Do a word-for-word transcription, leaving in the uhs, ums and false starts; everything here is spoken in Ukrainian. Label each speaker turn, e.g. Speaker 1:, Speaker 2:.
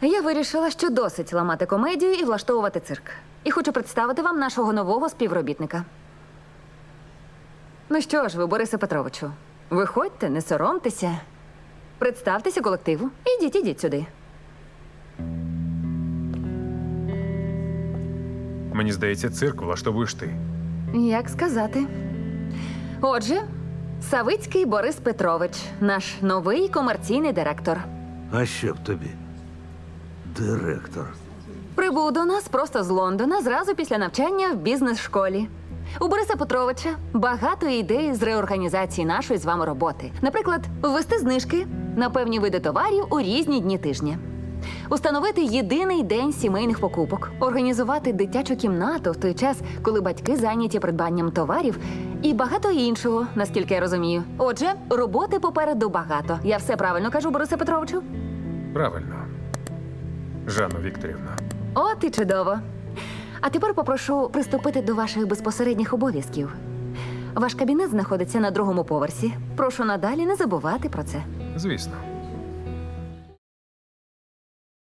Speaker 1: Я вирішила, що досить ламати комедію і влаштовувати цирк. І хочу представити вам нашого нового співробітника. Ну що ж ви, Борисе Петровичу, виходьте, не соромтеся. Представтеся колективу. Ідіть, ідіть сюди.
Speaker 2: Мені здається, цирк влаштовуєш ти.
Speaker 1: Як сказати? Отже, Савицький Борис Петрович, наш новий комерційний директор.
Speaker 3: А що б тобі? Директор.
Speaker 1: Прибув до нас просто з Лондона зразу після навчання в бізнес-школі. У Бориса Петровича багато ідей з реорганізації нашої з вами роботи. Наприклад, ввести знижки на певні види товарів у різні дні тижня. Установити єдиний день сімейних покупок, організувати дитячу кімнату в той час, коли батьки зайняті придбанням товарів, і багато іншого, наскільки я розумію. Отже, роботи попереду багато. Я все правильно кажу, Борисе Петровичу?
Speaker 2: Правильно. Жанно Вікторівна.
Speaker 1: От і чудово. А тепер попрошу приступити до ваших безпосередніх обов'язків. Ваш кабінет знаходиться на другому поверсі. Прошу надалі не забувати про це.
Speaker 2: Звісно.